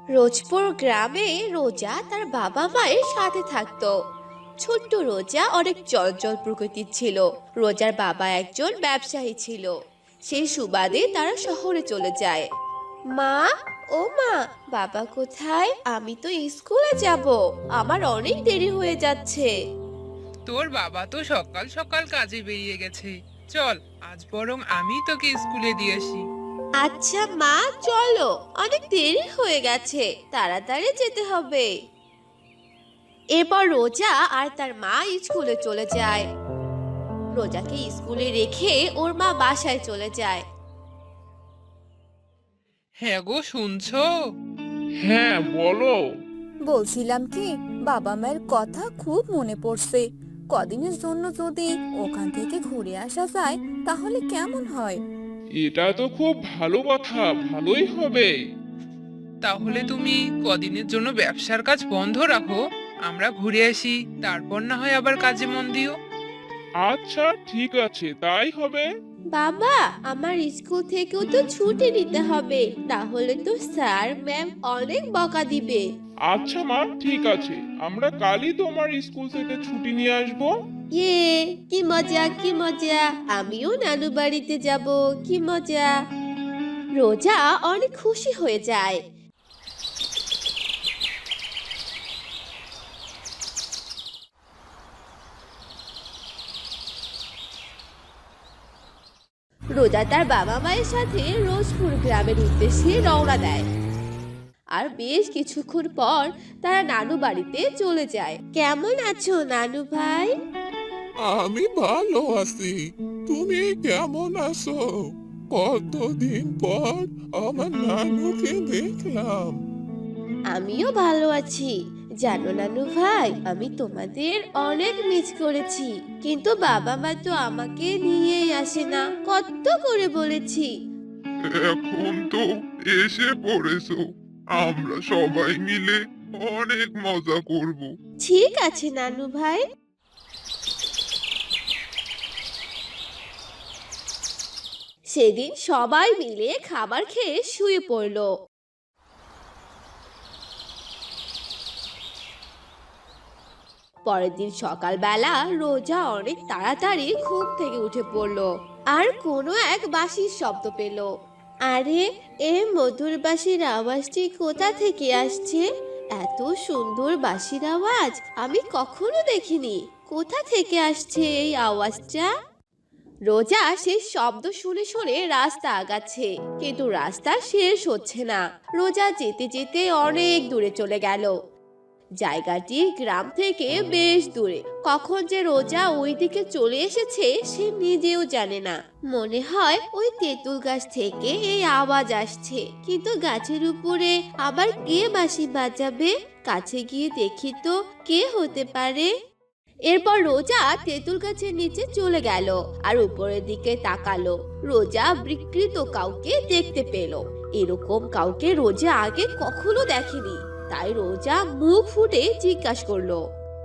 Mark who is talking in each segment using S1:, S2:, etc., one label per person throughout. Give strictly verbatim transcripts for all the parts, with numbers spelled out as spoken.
S1: রোজপুর গ্রামে রোজা তার বাবা মায়ের সাথে থাকতো। ছোট্ট রোজা অনেক চঞ্চল প্রকৃতির ছিল। রোজার বাবা একজন ব্যবসায়ী ছিল। সেই সুবাদে তারা শহরে চলে যায়। মা, ও মা, বাবা কোথায়? আমি তো স্কুলে যাব, আমার অনেক দেরি হয়ে যাচ্ছে।
S2: তোর বাবা তো সকাল সকাল কাজে বেরিয়ে গেছে। চল, আজ বরং আমি তোকে স্কুলে দিয়ে আসি।
S1: আচ্ছা মা, চলো, অনেক দেরি হয়ে গেছে, তাড়াতাড়ি যেতে হবে। এরপর রোজা আর তার মা স্কুলে চলে যায়। রোজাকে স্কুলে রেখে ওর মা বাসায় চলে যায়।
S2: হ্যাঁ গো, শুনছো?
S3: হ্যাঁ, বলো।
S4: বলছিলাম কি, বাবা মায়ের কথা খুব মনে পড়ছে। কদিনের জন্য যদি ওখান থেকে ঘুরে আসা যায় তাহলে কেমন হয়?
S3: এটা তো খুব ভালো কথা, ভালোই হবে।
S2: তাহলে তুমি কদিনের জন্য ব্যবসার কাজ বন্ধ রাখো, আমরা ঘুরে আসি, তারপর না হয় আবার কাজে মন দিও।
S3: আচ্ছা, ঠিক আছে, তাই হবে।
S1: বাবা, আমার স্কুল থেকেও তো ছুটি নিতে হবে, তাহলে তো স্যার ম্যাম অনেক বকা দিবে।
S3: আচ্ছা মা, ঠিক আছে, আমরা কালই তোমার স্কুল থেকে ছুটি নিয়ে আসবো।
S1: ইয়ে, কি মজা কি মজা, আমিও নানু বাড়িতে যাব, কি মজা। রোজা অনেক খুশি হয়ে যায়। রোজা তার বাবা মায়ের সাথে রোজপুর গ্রামের উদ্দেশ্যে রওনা দেয়। আর বেশ কিছুক্ষণ পর তারা নানু বাড়িতে চলে যায়। কেমন আছো নানু ভাই?
S5: আমি ভালো আছি। তুমি কেমন আছো? কতদিন পর আমার নানুকে দেখলাম।
S1: আমিও ভালো আছি। জানো নানু ভাই, আমি তোমাদের অনেক মিস করেছি, কিন্তু বাবা মা তো আমাকে নিয়েই আসে না, কত করে বলেছি।
S5: এখন তো এসে পড়েছো, আমরা সবাই মিলে অনেক মজা করব।
S1: ঠিক আছে নানু ভাই। সেদিন সবাই মিলে খাবার খেয়ে শুয়ে পড়লো। পরের দিন সকালবেলা রোজা অনেক তাড়াতাড়ি ঘুম থেকে উঠে পড়লো আর কোনো এক বাঁশির শব্দ পেল। আরে, এ মধুর বাঁশির আওয়াজটি কোথা থেকে আসছে? এত সুন্দর বাঁশির আওয়াজ আমি কখনো দেখিনি। কোথা থেকে আসছে এই আওয়াজটা? রোজা সেই শব্দ শুনে শুনে রাস্তা আগাচ্ছে, কিন্তু রাস্তা শেষ হচ্ছে না। রোজা যেতে যেতে অনেক দূরে চলে গেল। জায়গাটি গ্রাম থেকে বেশ দূরে। কখন যে রোজা ওই দিকে চলে এসেছে সে নিজেও জানে না। মনে হয় ওই তেঁতুল গাছ থেকে এই আওয়াজ আসছে, কিন্তু গাছের উপরে আবার কে বাঁশি বাজাবে? কাছে গিয়ে দেখি তো কে হতে পারে। এরপর রোজা তেঁতুল গাছের নিচে চলে গেল আর উপরের দিকে তাকালো। রোজা বিকৃত কাউকে দেখতে পেল। এরকম কাউকে রোজা আগে কখনো দেখেনি। তাই রোজা মুখ ফুটে জিজ্ঞাসা করলো,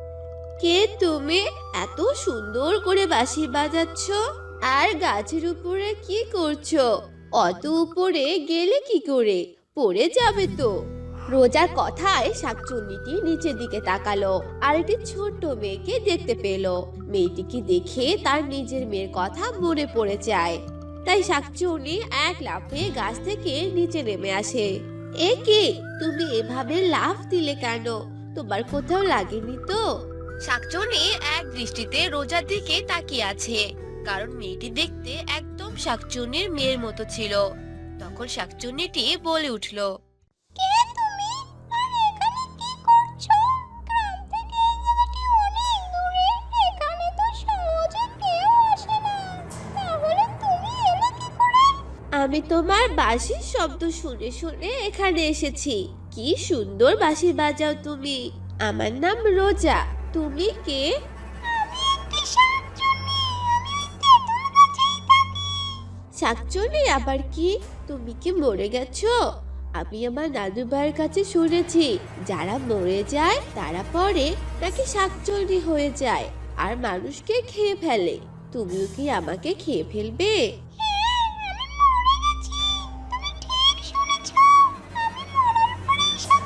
S1: কে তুমি? এত সুন্দর করে বাঁশি বাজাচ্ছ আর গাছের উপরে কি করছো? অত উপরে গেলে কি করে? পড়ে যাবে তো। রোজার কথায় শাকচুন্নিটি নিচের দিকে তাকালো আর একটি ছোট্ট মেয়েকে দেখতে পেল। মেয়েটিকে দেখে তার নিজের মেয়ের কথা মনে পড়ে যায়। তাই শাকচুন্নি এক লাফে গাছ থেকে নিচে নেমে আসে। এ কি, তুমি এভাবে লাফ দিলে কেন? তোমার কোথাও লাগেনি তো? শাকচুন্নি এক দৃষ্টিতে রোজার দিকে তাকিয়ে আছে, কারণ মেয়েটি দেখতে একদম শাকচুন্নির মেয়ের মতো ছিল। তখন শাকচুন্নিটি বলে উঠল, কে তুমি? আর এখানে কি করছো? গ্রাম থেকে এই জায়গাটি অনেক দূরে, এখানে তো সহজে কেউ আসে না, তাহলে তুমি এলে কি করে? আমি তোমার বাঁশির শব্দ শুনে শুনে এখানে এসেছি। কি সুন্দর বাঁশি বাজাও তুমি। আমার নাম রোজা। তুমি কে? আমি একটি শাকচুন্নি, আমি ওই তেঁতুল গাছেই থাকি। শাকচুন্নি আবার কি? তুমি কি মরে গেছো? আমি আমার নানু ভাইয়ের কাছে শুনেছি, যারা মরে যায় তারা পরে নাকি শাকচুন্নি হয়ে যায় আর মানুষকে খেয়ে ফেলে। তুমিও কি আমাকে খেয়ে ফেলবে? হ্যাঁ, আমি মরে গেছি। তুমি ঠিক শুনেছো। আমি মরার পরেই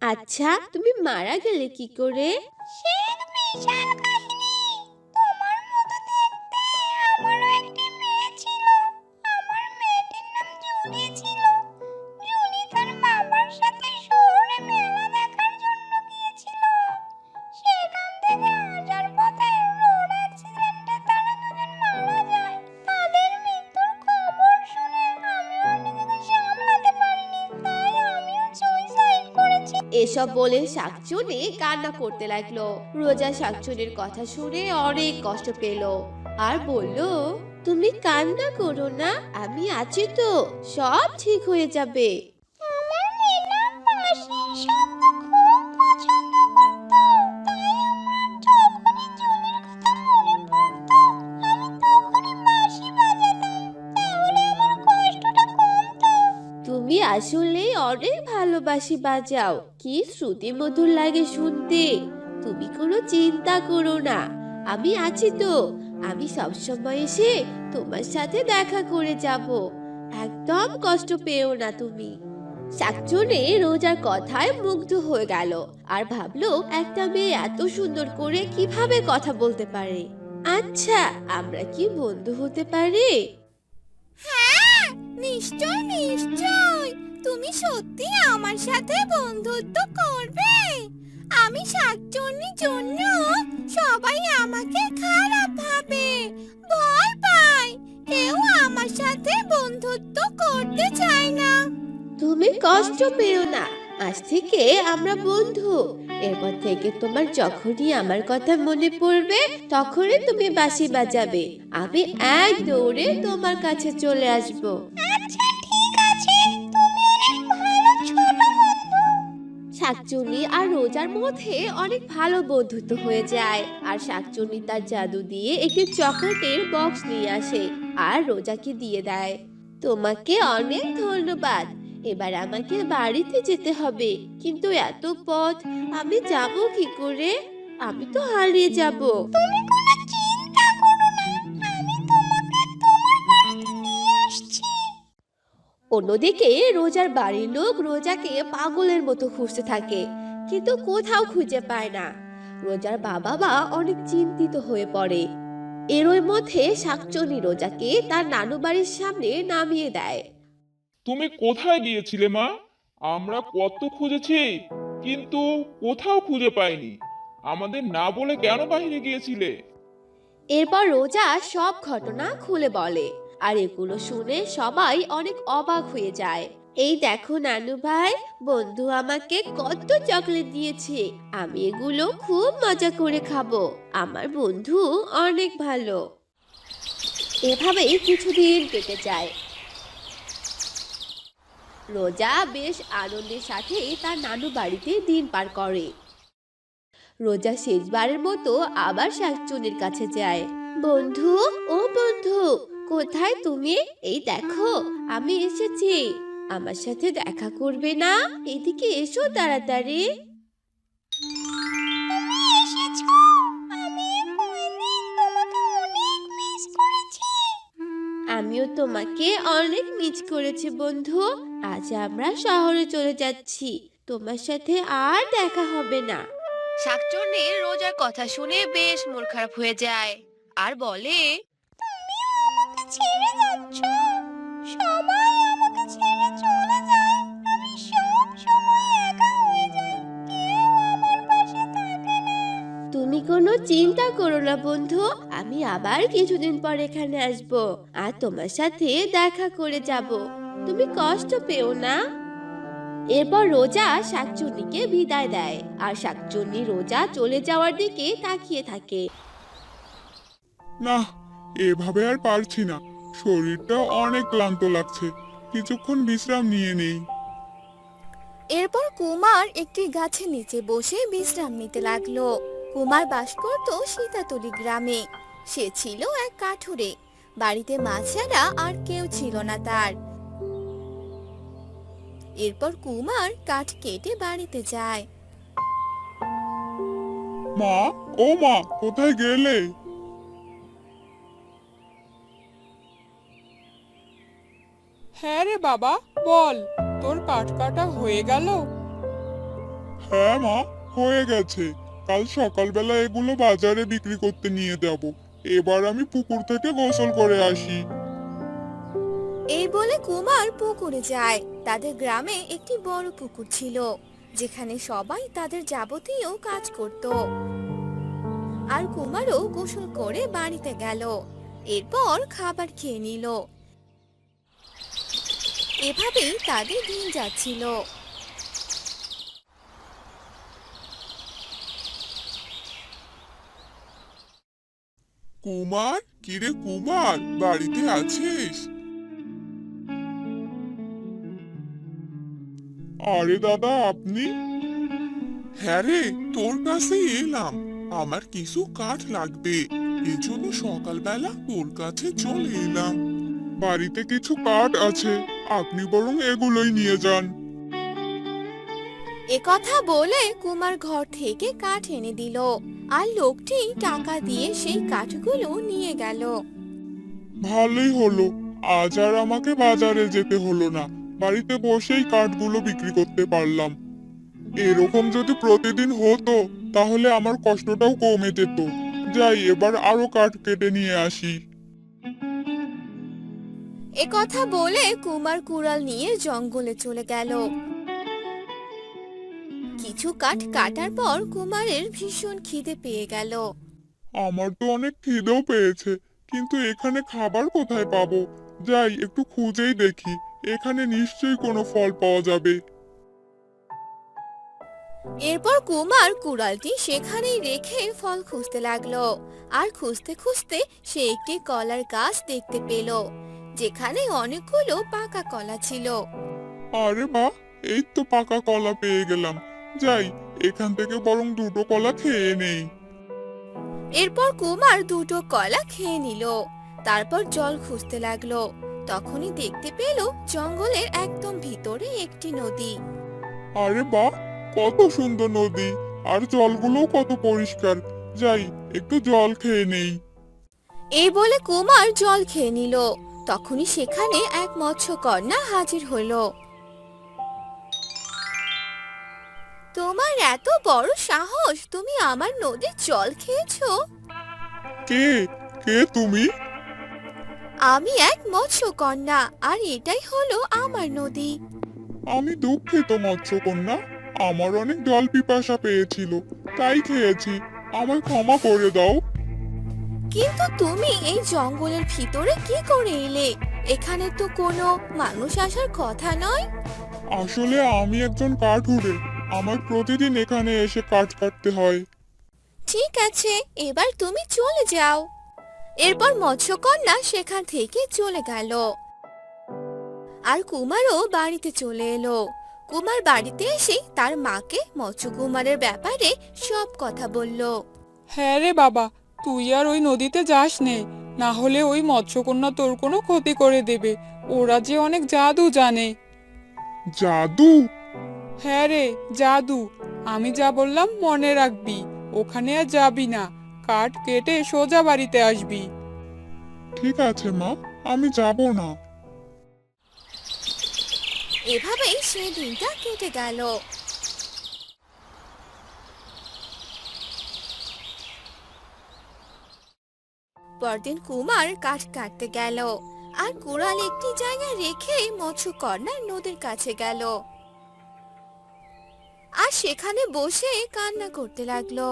S1: আচ্ছা তুমি মারা গেলে কি করে?
S6: সে এক বিশাল কাহিনী। তোমার মতো দেখতে আমারও একটি মেয়ে ছিল। আমার মেয়েটির নাম জুলি ছিল। জুলি তার বাবার সাথে শহরে মেলা দেখার জন্য গিয়েছিল। সেখান থেকে আসার পথে রোড অ্যাক্সিডেন্টে তারা দুজন মারা যায়। তাদের মৃত্যুর খবর শুনে আমিও আর নিজেকে সামলাতে পারিনি, তাই আমিও সুইসাইড করেছি।
S1: এসব বলে শাকচুনি কান্না করতে লাগলো। রোজা শাকচুনির কথা শুনে অনেক কষ্ট পেল আর বলল, তুমি কান্না করো না, আমি আছি তো, সব ঠিক হয়ে যাবে।
S6: আমার মেয়েটা বাঁশির শব্দ খুব পছন্দ করত, তাই আমার যখনই জুলির কথা মনে পড়তো আমি তখনই বাঁশি বাজাতাম, তাহলে আমার কষ্টটা কমতো।
S1: তুমি আসলে অনেক ভালোবাসি বাজাও, কি শ্রুতি মধুর লাগে শুনতে। তুমি কোনো চিন্তা করো না, আমি আছি তো, আমি সবসময় এসে তোমার সাথে দেখা করে যাব। একদম কষ্ট পেও না তুমি। শাকচুনি রোজার কথায় মুগ্ধ হয়ে গেল আর ভাবলো একটা মেয়ে এত সুন্দর করে কিভাবে কথা বলতে পারে। আচ্ছা আমরা কি বন্ধু হতে পারি?
S4: হ্যাঁ, নিশ্চয় নিশ্চয়। তুমি সত্যি আমার সাথে বন্ধুত্ব করবে? আমি শাকচুন্নির জন্য সবাই আমাকে খারাপ ভাবে, ভয় পায়, কেউ আমার সাথে বন্ধুত্ব করতে চায় না।
S1: তুমি কষ্ট পেও না, আজ থেকে আমরা বন্ধু। এরপর থেকে তোমার যখনই আমার কথা মনে পড়বে তখনই তুমি বাঁশি বাজাবে, আমি এক দৌড়ে তোমার কাছে চলে আসব।
S6: আচ্ছা ঠিক আছে, তুমি অনেক ভালো ছোট বন্ধু।
S1: শাকচুনি আর রোজার মধ্যে অনেক ভালো বন্ধুত্ব হয়ে যায় আর শাকচুনি তার জাদু দিয়ে একটি চকলেটের বক্স নিয়ে আসে আর রোজাকে দিয়ে দেয়। তোমাকে অনেক ধন্যবাদ, এবার আমাকে বাড়িতে যেতে হবে, কিন্তু এত পথ আমি যাব কি করে? আমি তো হারিয়ে যাব।
S6: তুমি কোনো চিন্তা করো না, আমি তোমাকে তোমার বাড়িতে নিয়ে আসছি।
S1: অন্যদিকে রোজার বাড়ির লোক রোজাকে পাগলের মতো খুঁজতে থাকে, কিন্তু কোথাও খুঁজে পায় না। রোজার বাবা মা অনেক চিন্তিত হয়ে পড়ে। এরই মধ্যে শাকচুনি রোজাকে তার নানু বাড়ির সামনে নামিয়ে দেয়।
S3: তুমি কোথায় গিয়েছিলে মা? আমরা কত খুঁজেছি কিন্তু কোথাও খুঁজে পাইনি। আমাদের না বলে কেন বাইরে গিয়েছিলে?
S1: এরপর রোজা সব ঘটনা খুলে বলে আর এগুলো শুনে সবাই অনেক অবাক হয়ে যায়। এই দেখো নানু ভাই, বন্ধু আমাকে কত চকলেট দিয়েছে, আমি এগুলো খুব মজা করে খাবো, আমার বন্ধু অনেক ভালো। এভাবেই কিছুদিন কেটে যায়। রোজা বেশ আনন্দের সাথে তার নানু বাড়িতে দিন পার করে। রোজা শেষবারের মতো আবার শাকচুনির কাছে যায়। বন্ধু, ও বন্ধু, কোথায় তুমি? এই দেখো আমি এসেছি, আমার সাথে দেখা করবে না? এদিকে এসো তাড়াতাড়ি।
S6: তুমি এসেছো, আমি এই কয়দিন তোমাকে অনেক মিস করেছি।
S1: আমিও তোমাকে অনেক মিস করেছি বন্ধু। আজ আমরা শহরে চলে যাচ্ছি, তোমার সাথে আর দেখা হবে না। শাকচুন্নি রোজার কথা শুনে বেশ মন খারাপ হয়ে যায় আর বলে,
S6: তুমিও আমাকে ছেড়ে যাচ্ছ, সবাই আমাকে ছেড়ে চলে যায়, আমি সব সময় একা হয়ে যাই, কেউ আমার পাশে থাকে না।
S1: তুমি কোনো চিন্তা করো না বন্ধু, আমি আবার কিছুদিন পর এখানে আসব আর তোমার সাথে দেখা করে যাব, তুমি কষ্ট পেও না। এরপর রোজা শাকচুন্নিকে বিদায় দেয় আর শাকচুন্নি রোজা চলে যাওয়ার দিকে তাকিয়ে থাকে।
S5: না, এভাবে আর পারছি না, শরীরটা অনেক ক্লান্ত লাগছে, কিছুক্ষণ বিশ্রাম নিয়ে নেই।
S4: এরপর কুমার একটি গাছের নিচে বসে বিশ্রাম নিতে লাগলো। কুমার বাস করত সীতাতলি গ্রামে। সে ছিল এক কাঠুরে, বাড়িতে মা ছাড়া আর কেউ ছিল না তার। এরপর কুমার কাঠ কেটে বাড়িতে যায়।
S5: মা, ও মা, কোথায় গেলে?
S2: হ্যাঁ রে বাবা, বল, তোর কাঠ কাটা হয়ে গেল?
S5: হ্যাঁ মা, হয়ে গেছে। কাল সকালবেলা এগুলো বাজারে বিক্রি করতে নিয়ে যাব। এবার আমি পুকুর থেকে গোসল করে আসি।
S4: এই বলে কুমার পুকুরে যায়। তাদের গ্রামে একটি বড় পুকুর ছিল, যেখানে সবাই তাদের যাবতীয় কাজ করত। আর কুমারও গোসল করে বাড়িতে গেল। এরপর খাবার খেয়ে নিল। এভাবেই তাদের দিন যাচ্ছিল।
S5: কুমার, কিরে কুমার, বাড়িতে আছিস? আরে দাদা, আপনি? হ্যাঁ রে, তোর কাছে এলাম। আমার কিছু কাঠ লাগবে, এজন্য সকালবেলা তোর কাছে চলে এলাম। বাড়িতে কিছু কাঠ আছে, আপনি বরং এগুলোই নিয়ে যান।
S4: একথা বলে কুমার ঘর থেকে কাঠ এনে দিল, আর লোকটি টাকা দিয়ে সেই কাঠগুলো নিয়ে গেল।
S5: ভালোই হলো, আজ আর আমাকে বাজারে যেতে হলো না। বাড়িতে বসেই কাঠগুলো বিক্রি করতে পারলাম। এরকম যদি প্রতিদিন হতো তাহলে আমার কষ্টটাও কমে যেত। যাই, এবার আরো কাঠ কেটে নিয়ে আসি।
S4: একথা বলে কুমার কুড়াল নিয়ে জঙ্গলে চলে গেল। কিছু কাঠ কাটার পর কুমারের ভীষণ খিদে পেয়ে গেল।
S5: আমার তো অনেক খিদেও পেয়েছে, কিন্তু এখানে খাবার কোথায় পাবো? যাই, একটু খুঁজেই দেখি, এখানে নিশ্চয়ই কোনো ফল পাওয়া যাবে।
S4: এরপর কুমার কুড়ালটি সেখানেই রেখে ফল খুঁজতে লাগলো। আর খুঁজতে খুঁজতে সে একটি কলার গাছ দেখতে পেল, যেখানে অনেকগুলো পাকা কলা ছিল।
S5: আরে বাহ, এই তো পাকা কলা পেয়ে গেলাম। যাই, এখান থেকে বরং দুটো কলা খেয়ে নেই।
S4: এরপর কুমার দুটো কলা খেয়ে নিল। তারপর জল খুঁজতে লাগলো। তখনই দেখতে পেল জঙ্গলের একদম ভিতরে একটি নদী।
S5: আরে বাহ, কত সুন্দর নদী, আর জলগুলোও কত পরিষ্কার। যাই, একটু জল খেয়ে নেই।
S4: এই বলে কুমার জল খেয়ে নিল। তখনই সেখানে এক মৎস্যকন্যা হাজির হলো। তোমার এত বড় সাহস, তুমি আমার নদীর জল খেয়েছো?
S5: কে কে তুমি?
S4: আমি এক মৎস্যকন্যা, আর এটাই হলো আমার নদী।
S5: আমি দুঃখিত মৎস্যকন্যা, আমার অনেক জল পিপাসা পেয়েছিল, তাই খেয়েছি। আমায় ক্ষমা করে দাও।
S4: কিন্তু তুমি এই জঙ্গলের ভিতরে কি করে এলে? এখানে তো কোনো মানুষ আসার কথা নয়।
S5: আসলে আমি একজন কাঠুরে, আমার প্রতিদিন এখানে এসে কাঠ কাটতে হয়।
S4: ঠিক আছে, এবার তুমি চলে যাও। এরপর মৎস্যকন্যা সেখান থেকে চলে গেল। আর কুমারও বাড়িতে চলে এলো। কুমার বাড়িতে এসে তার মাকে মৎস্যকুমারের ব্যাপারে সব কথা বলল।
S7: হ্যাঁ রে বাবা, তুই আর ওই নদীতে যাস নে, না হলে ওই মৎস্যকন্যা তোর কোনো ক্ষতি করে দেবে। ওরা যে অনেক জাদু জানে।
S5: জাদু?
S7: হ্যাঁ রে, জাদু। আমি যা বললাম মনে রাখবি। ওখানে আর যাবি না, কাঠ কেটে সোজা বাড়িতে আসবি।
S5: ঠিক আছে মা, আমি যাব না।
S4: এভাবেই সে দিনটা কেটে গেল। পরদিন কুমার কাঠ কাটতে গেল, আর কুড়াল একটি জায়গায় রেখে মৎস্যকন্যা নদীর কাছে গেল, আর সেখানে বসে কান্না করতে লাগলো।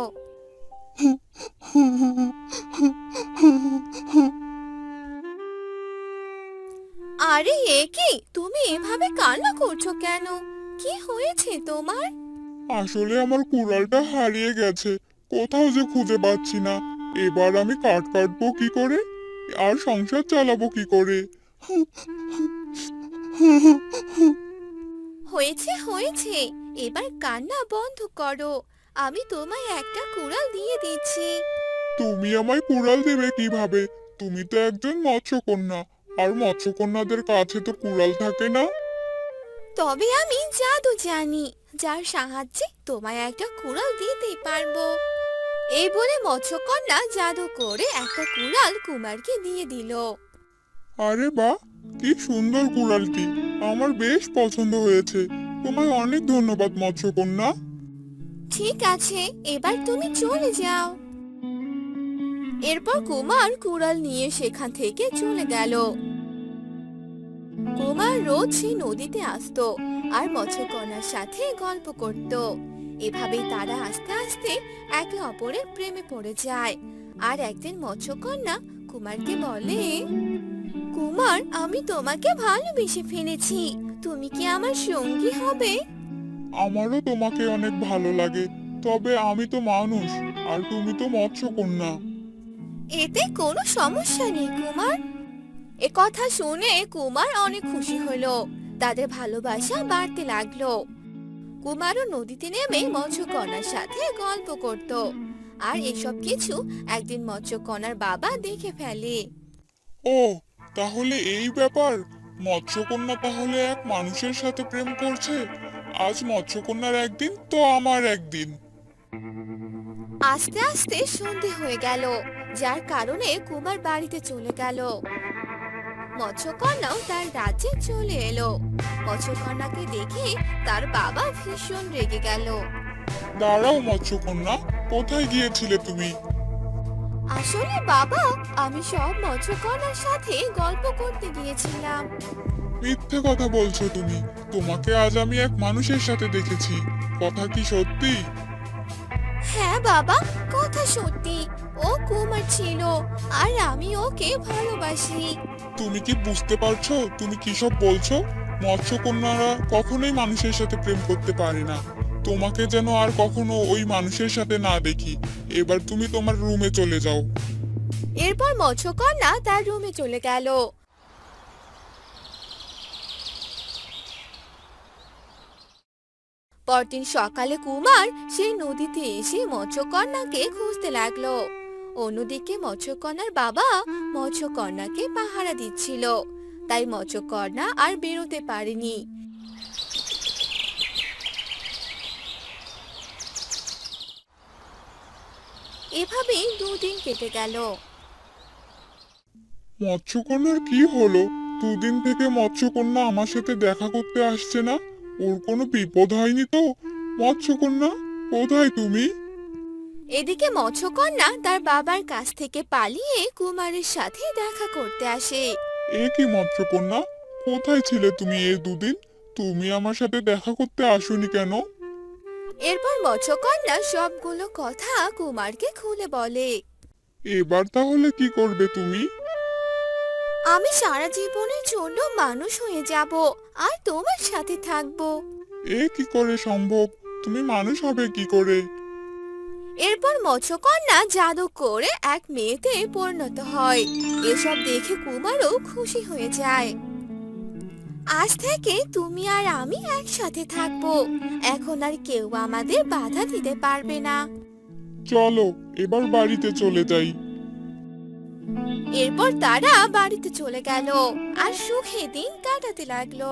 S4: আরে এ কি, তুমি এভাবে কান্না করছো কেন? কি হয়েছে তোমার?
S5: আসলে আমার কুড়ালটা হারিয়ে গেছে, কোথাও যে খুঁজে পাচ্ছি না। এবার আমি কাঠ কাটবো কি করে, আর সংসার চালাবো কি করে?
S4: হয়েছে হয়েছে, এবার কান্না বন্ধ করো। আমি তোমায় একটা কুড়াল দিয়ে দিচ্ছি।
S5: তুমি আমায় কুড়াল দেবে কিভাবে? তুমি তো একজন মৎস্যকন্যা, আর মৎস্যকন্যাদের কাছে তো কুড়াল থাকে না।
S4: তবে আমি জাদু জানি, যার সাহায্যে তোমায় একটা কুড়াল দিতে পারবো। এই বলে মৎস্যকন্যা জাদু করে একটা কুড়াল কুমারকে দিয়ে দিল।
S5: আরে বাহ, কি সুন্দর কুড়ালটি, আমার বেশ পছন্দ হয়েছে। তোমায় অনেক ধন্যবাদ মৎস্যকন্যা।
S4: ঠিক আছে, এবার তুমি চলে যাও। এরপর কুমার কুড়াল নিয়ে সেখান থেকে চলে গেল। কুমার রোজ সেই নদীতে আসতো আর মৎস্যকন্যার সাথে গল্প করত। এভাবেই তারা আস্তে আস্তে একে অপরের প্রেমে পড়ে যায়। আর একদিন মৎস্যকন্যা কুমারকে বলে, কুমার, আমি তোমাকে ভালোবেসে ফেলেছি, তুমি কি আমার সঙ্গী হবে?
S5: আমারও তোমাকে অনেক ভালো লাগে, তবে আমি তো মানুষ আর তুমি তো মৎস্যকন্যা।
S4: এতে কোনো সমস্যা নেই কুমার। এ কথা শুনে কুমার অনেক খুশি হলো। তাদের ভালোবাসা বাড়তে লাগলো। কুমারও নদীতে নেমে মৎস্যকন্যার সাথে গল্প করত। আর এসব কিছু একদিন মৎস্যকন্যার বাবা দেখে ফেলে।
S5: ও, তাহলে এই ব্যাপার। মৎস্যকন্যা তাহলে এক মানুষের সাথে প্রেম করছে। আজ মৎস্যকন্যার একদিন তো আমার একদিন।
S4: আস্তে আস্তে সন্ধে হয়ে গেল, যার কারণে কুমার বাড়িতে চলে গেল। মৎস্যকন্যাও তার রাজ্যে চলে এলো। মৎস্যকন্যাকে দেখে তার বাবা ভীষণ রেগে গেল।
S5: দাঁড়াও মৎস্যকন্যা, কোথায় গিয়েছিলে তুমি?
S4: আসলে বাবা, আমি সব মৎস্যকন্যার সাথে গল্প করতে গিয়েছিলাম।
S5: মিথ্যে কথা বলছো তুমি। তোমাকে আজ আমি এক মানুষের সাথে দেখেছি। কথা কি সত্যি?
S4: হ্যাঁ বাবা, কথা সত্যি। ও কুমার ছিল আর আমি ওকে ভালোবাসি।
S5: তুমি কি বুঝতে পারছো তুমি কি সব বলছো? মৎস্যকন্যারা কখনোই মানুষের সাথে প্রেম করতে পারে না। তোমাকে যেন আর কখনো ওই মানুষের সাথে না দেখি। এবার তুমি তোমার রুমে চলে যাও।
S4: এরপর মৎস্যকন্যা তার রুমে চলে গেল। পরদিন সকালে কুমার সেই নদীতে এসে মৎস্যকন্যাকে খুঁজতে লাগলো। অন্যদিকে মৎস্যকন্যার বাবা মৎস্যকন্যাকে পাহারা দিচ্ছিল, তাই মৎস্যকন্যা আর বেরোতে পারেনি। এভাবেই দুদিন কেটে গেল।
S5: মৎস্যকন্যার কি হলো? দুদিন থেকে মৎস্যকন্যা আমার সাথে দেখা করতে আসছে না। ওর কোনো বিপদ হয়নি তো? মৎস্যকন্যা, কোথায় তুমি?
S4: এদিকে মৎস্যকন্যা তার বাবার কাছ থেকে পালিয়ে কুমারের সাথে দেখা করতে আসে।
S5: এ কি মৎস্যকন্যা, কোথায় ছিলে তুমি এই দুদিন? তুমি আমার সাথে দেখা করতে আসোনি কেন?
S4: এরপর মৎস্যকন্যা সবগুলো কথা কুমারকে খুলে বলে।
S5: এবার তাহলে কি করবে তুমি?
S4: আমি সারা জীবনের জন্য মানুষ হয়ে যাব আর তোমার সাথে থাকব।
S5: এ কি করে সম্ভব? তুমি মানুষ হবে কি করে?
S4: এরপর মৎস্যকন্যা জাদু করে এক মেয়েতে পরিণত হয়। এসব দেখে কুমারও খুশি হয়ে যায়। আজ থেকে তুমি আর আমি একসাথে থাকব। এখন আর কেউ আমাদের বাধা দিতে পারবে না।
S5: চলো এবার বাড়িতে চলে যাই।
S4: এরপর তারা বাড়িতে চলে গেল আর সুখে দিন কাটাতে লাগলো।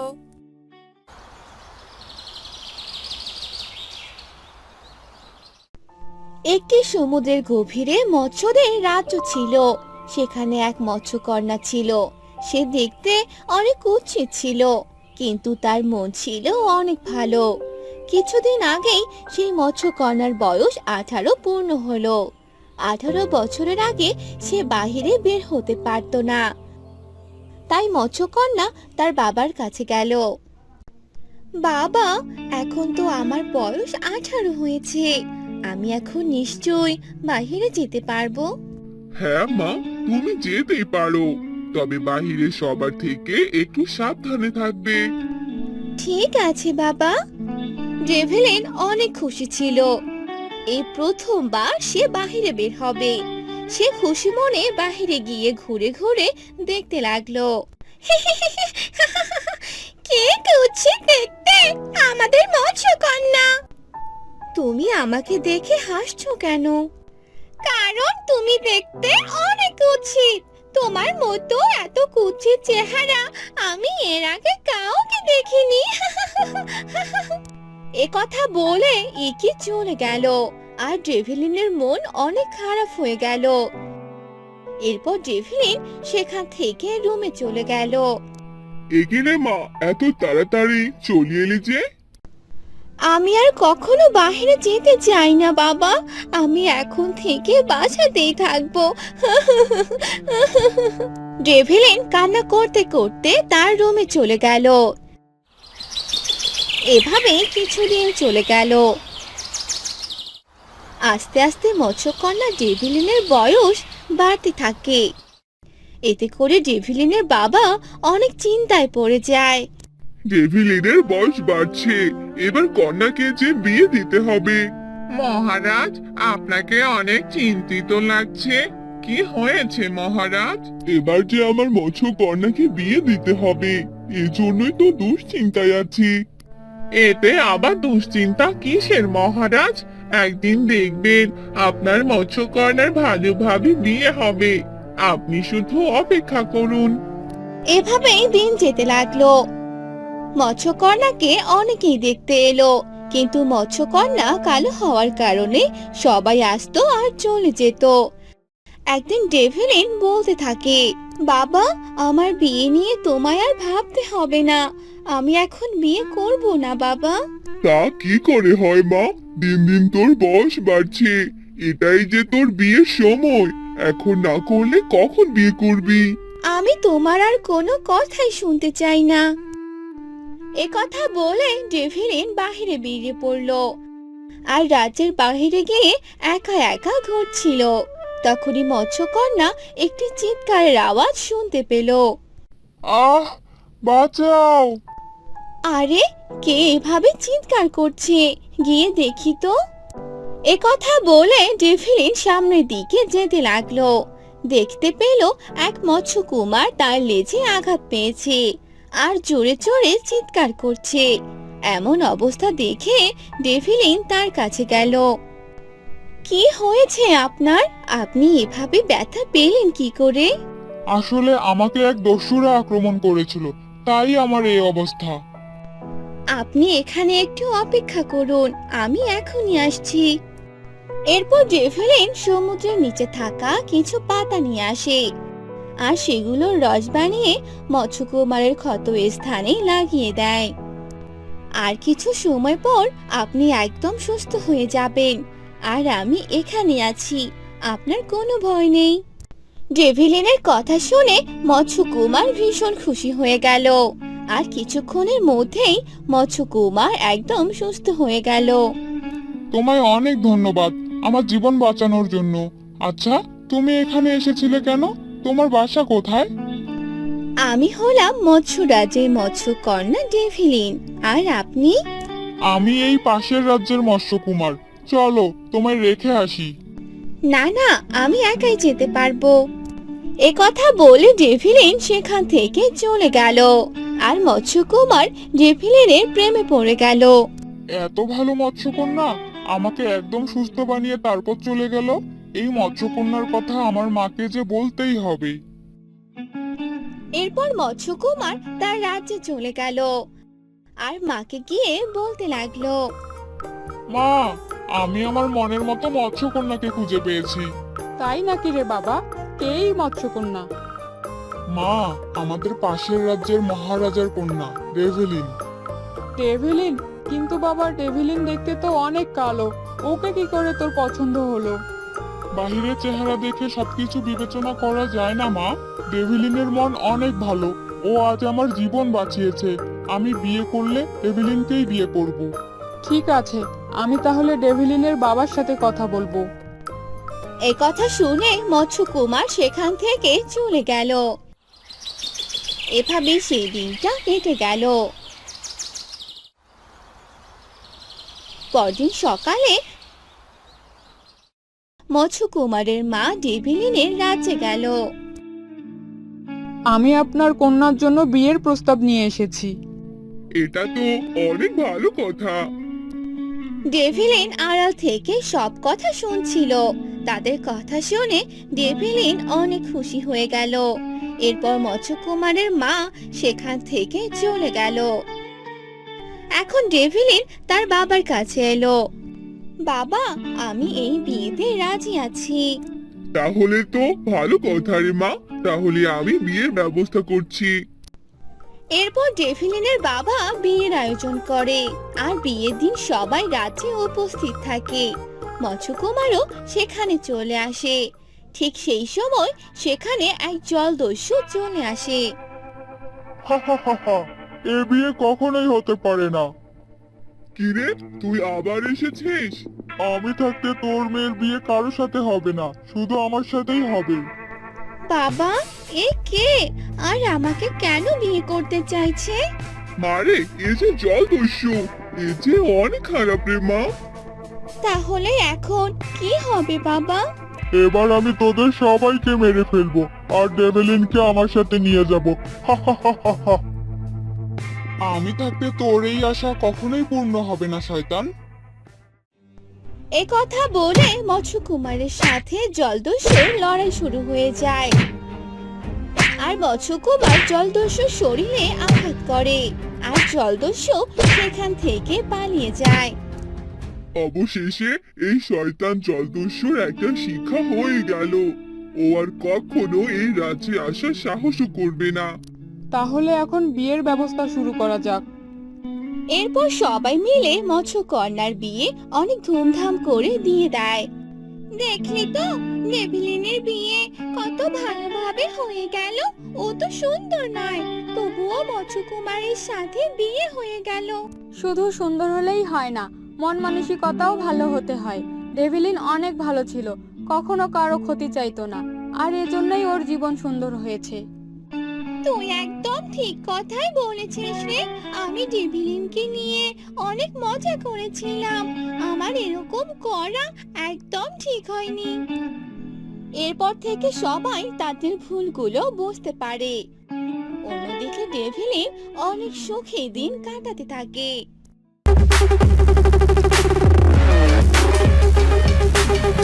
S1: একটি সমুদ্রের গভীরে মৎস্যদের রাজ্য ছিল। সেখানে এক মৎস্যকন্যা ছিল। সে দেখতে অনেক কুৎসিত ছিল, কিন্তু তার মন ছিল অনেক ভালো। কিছুদিন আগেই সেই মৎস্যকন্যার বয়স আঠারো পূর্ণ হলো। আঠারো বছরের আগে সে বাহিরে বের হতে পারত না। তাই মৎস্যকন্যা তার বাবার কাছে গেল। বাবা, এখন তো আমার বয়স আঠারো হয়েছে, আমি এখন নিশ্চয়ই বাহিরে যেতে পারবো?
S3: হ্যাঁ মা, তুমি যেতেই পারো, তবে বাহিরে সবার থেকে একটু সাবধানে থাকবে।
S1: ঠিক আছে বাবা। ডেভেলিন অনেক খুশি ছিল। এই প্রথমবার সে বাহিরে বের হবে। সে খুশি মনে বাহিরে গিয়ে ঘুরে ঘুরে দেখতে লাগলো। কে কুৎসিত দেখতে, আমাদের মৎস্যকন্যা। তুমি আমাকে দেখে হাসছো কেন? কারণ তুমি দেখতে অনেক কুৎসিত। তোমার মতো এত কুৎসিত চেহারা আমি এর আগে কাউকে দেখিনি। এ কথা বলে ইকি চলে গেল আর ডেভিলিনের মন অনেক খারাপ হয়ে গেল। এরপর ডেভিলিন সেখান থেকে রুমে চলে গেল।
S3: এগিয়ে মা, এত তাড়াতাড়ি চলে এলি যে?
S4: আমি আর কখনো বাইরে যেতে চাই না বাবা, আমি এখন থেকে বাসাতেই থাকবো। ডেভিলিন কান্না করতে করতে তার রুমে চলে গেল। এভাবে কিছুদিন চলে গেল। আস্তে আস্তে মৎস্যকন্যা ডেভিলিনের বয়স বাড়তে থাকে। এতে করে ডেভিলিনের বাবা অনেক চিন্তায় পড়ে যায়।
S5: ডেভিলিনের বয়স বাড়ছে, এবার কন্যাকে যে বিয়ে দিতে হবে।
S3: মহারাজ, আপনাকে অনেক চিন্তিত লাগছে। কি হয়েছে মহারাজ?
S5: এবার যে আমার মৎস্য কন্যাকে বিয়ে দিতে হবে, এজন্যই তো দুশ্চিন্তায় আছি।
S3: এতে আবার দুশ্চিন্তা কিসের মহারাজ? একদিন দেখবেন আপনার মৎস্যকন্যার ভালোভাবে বিয়ে হবে। আপনি শুধু অপেক্ষা করুন।
S4: এভাবেই দিন যেতে লাগলো। মৎস্যকন্যাকে অনেকেই দেখতে এলো, কিন্তু মৎস্যকন্যা কালো হওয়ার কারণে সবাই আসতো আর চলে যেত। একদিন ডেভিলিন বলতে থাকে, বাবা, আমার বিয়ে নিয়ে তোমায় আর ভাবতে হবে না। আমি এখন বিয়ে করব না বাবা।
S5: তা কি করে হয় মা? দিন দিন তোর বয়স বাড়ছে, এটাই যে তোর বিয়ের সময়। এখন না করলে কখন বিয়ে করবি?
S4: আমি তোমার আর কোনো কথাই শুনতে চাই না। এ কথা বলে ডেভিলিন বাহিরে বেরিয়ে পড়ল আর রাজ্যের বাহিরে গিয়ে একা একা ঘুরছিল। তখনই মৎস্যকন্যা একটি চিৎকারের আওয়াজ শুনতে পেল।
S5: আহ, বাঁচাও!
S4: আরে, কে এভাবে চিৎকার করছে? গিয়ে দেখি তো। এ কথা বলে ডেভিলিন সামনের দিকে যেতে লাগলো। দেখতে পেল এক মৎস্যকুমার তার লেজে আঘাত পেয়েছে আর জোরে জোরে চিৎকার করছে। এমন অবস্থা দেখে ডেভিলিন তার কাছে গেল। কি হয়েছে আপনার? আপনি এভাবে ব্যথা পেলেন কি করে?
S5: আসলে আমাকে এক দস্যুরা আক্রমণ করেছিল, তাই আমার এই অবস্থা।
S4: আপনি এখানে একটু অপেক্ষা করুন, আমি এখনই আসছি। এরপর ডেভিলিন সমুদ্রের নিচে থাকা কিছু পাতা নিয়ে আসে আর সেগুলোর রস বানিয়ে মৎস্যকুমারের ক্ষত স্থানে লাগিয়ে দেয়। আর কিছু সময় পর আপনি একদম সুস্থ হয়ে যাবেন, আর আমি এখানে আছি, আপনার কোনো ভয় নেই। ডেভিলিনের কথা শুনে মৎস্যকুমার ভীষণ খুশি হয়ে গেল আর কিছুক্ষণের মধ্যেই মৎস্যকুমার একদম সুস্থ হয়ে গেল।
S5: তোমায় অনেক ধন্যবাদ আমার জীবন বাঁচানোর জন্য। আচ্ছা, তুমি এখানে এসেছিলে কেন? তোমার বাসা কোথায়?
S4: আমি হলাম মৎস্য রাজ্যের মৎস্যকন্যা ডেভিলিন। আর আপনি?
S5: আমি এই পাশের রাজ্যের মৎস্যকুমার। চলো, তোমায় রেখে আসি।
S4: না না, আমি একাই যেতে পারবো। এ কথা বলে ডেভিলিন সেখান থেকে চলে গেল আর মৎস্যকুমার ডেভিলিনের প্রেমে পড়ে গেল।
S5: এত ভালো মৎস্যকন্যা আমাকে একদম সুস্থ বানিয়ে তারপর চলে গেল। এই মৎস্যকন্যার কথা আমার মাকে যে বলতেই হবে।
S4: এরপর মৎস্যকুমার তার রাজ্যে চলে গেল আর মাকে গিয়ে বলতে লাগলো,
S5: মা, আমি আমার মনের মতো মৎস্যকন্যাকে খুঁজে পেয়েছি।
S7: তাই নাকি রে বাবা? কেই মৎস্যকন্যা?
S5: মা, আমাদের পাশের রাজ্যের মহারাজার কন্যা ডেভিলিন।
S7: ডেভিলিন? কিন্তু বাবা, ডেভিলিন দেখতে তো অনেক কালো, ওকে কি করে তোর পছন্দ হলো?
S5: বাহিরের চেহারা দেখে সবকিছু বিবেচনা করা যায় না মা। ডেভিলিনের মন অনেক ভালো, ও আজ আমার জীবন বাঁচিয়েছে। আমি বিয়ে করলে ডেভিলিনকেই বিয়ে করব।
S7: ঠিক আছে, আমি তাহলে ডেভিলিনের বাবার সাথে কথা বলবো।
S4: এই কথা শুনে মৎস্যকুমার সেখান থেকে চলে গেল। এভাবে সেই দিনটা কেটে গেল। পরদিন সকালে মৎস্যকুমারের মা ডেভিলিনের রাজ্যে গেল।
S7: আমি আপনার কন্যার জন্য বিয়ের প্রস্তাব নিয়ে এসেছি।
S5: এটা তো অনেক ভালো কথা।
S4: ডেভিলিন আড়াল থেকে সব কথা শুনছিল। তাদের কথা শুনে ডেভিলিন অনেক খুশি হয়ে গেল। এরপর মৎস্যকুমারের মা সেখান থেকে চলে গেল। এখন ডেভিলিন তার বাবার কাছে এলো। বাবা, আমি এই বিয়েতে রাজি আছি।
S5: তাহলে তো ভালো কথা রে মা, তাহলে আমি বিয়ের ব্যবস্থা করছি।
S4: এরপর ডেভিলিনের বাবা বিয়ের আয়োজন করে আর বিয়ের দিন সবাই রাজ্যে উপস্থিত থাকে। মৎস্যকুমারও সেখানে চলে আসে। ঠিক সেই সময় সেখানে এক জলদস্যু চলে আসে।
S5: হা হা হা হা, এ বিয়ে কখনোই হতে পারে না। কিরে, তুই আবার এসেছিস? আমি থাকতে তোর মেয়ের বিয়ে কারোর সাথে হবে না, শুধু আমার সাথেই হবে।
S4: বাবা, এ কে আর আমাকে কেন বিয়ে করতে চাইছে?
S5: মারে, এ যে জলদস্যু, এ যে অনেক খারাপ রে মা।
S4: তাহলে এখন কি হবে বাবা?
S5: এবার আমি তোদের সবাইকে মেরে ফেলবো আর ডেভেলিনকে আমার সাথে নিয়ে যাব। হা হা হা হা হা। আমি থাকতে তোর এই আশা কখনোই পূর্ণ হবে না শয়তান।
S4: এ কথা বলে মৎস্যকুমারের সাথে জলদস্যুর লড়াই শুরু হয়ে যায় আর মৎস্যকুমার জলদস্যুর শরীরে আঘাত করে আর জলদস্যু সেখান থেকে পালিয়ে যায়।
S5: অবশেষে এই শয়তান জলদস্যুর একটা শিক্ষা হয়ে গেল। ও আর কখনো এই রাজ্যে আসার সাহসও করবে না।
S7: তাহলে এখন বিয়ের ব্যবস্থা শুরু করা যাক।
S4: এরপর সবাই মিলে মৎস্যকন্যার বিয়ে অনেক ধুমধাম করে দিয়ে দেয়। দেখলি তো ডেভিলিনের বিয়ে কত ভালোভাবে হয়ে গেল। ও তো সুন্দর নয়, তবুও মৎস্যকুমারের সাথে বিয়ে হয়ে গেল।
S8: শুধু সুন্দর হলেই হয় না, মন মানসিকতাও ভালো হতে হয়। ডেভিলিন অনেক ভালো ছিল, কখনো কারো ক্ষতি চাইতো না, আর এজন্যই ওর জীবন সুন্দর হয়েছে।
S4: তুই একদম ঠিক কথাই বলেছিস রে। আমি ডেভিলিনকে নিয়ে অনেক মজা করেছিলাম। আমার এরকম করা একদম ঠিক হয়নি। এরপর থেকে সবাই তাদের ভুলগুলো বুঝতে পারে। অন্যদিকে ডেভিলিন অনেক সুখে দিন কাটাতে থাকে।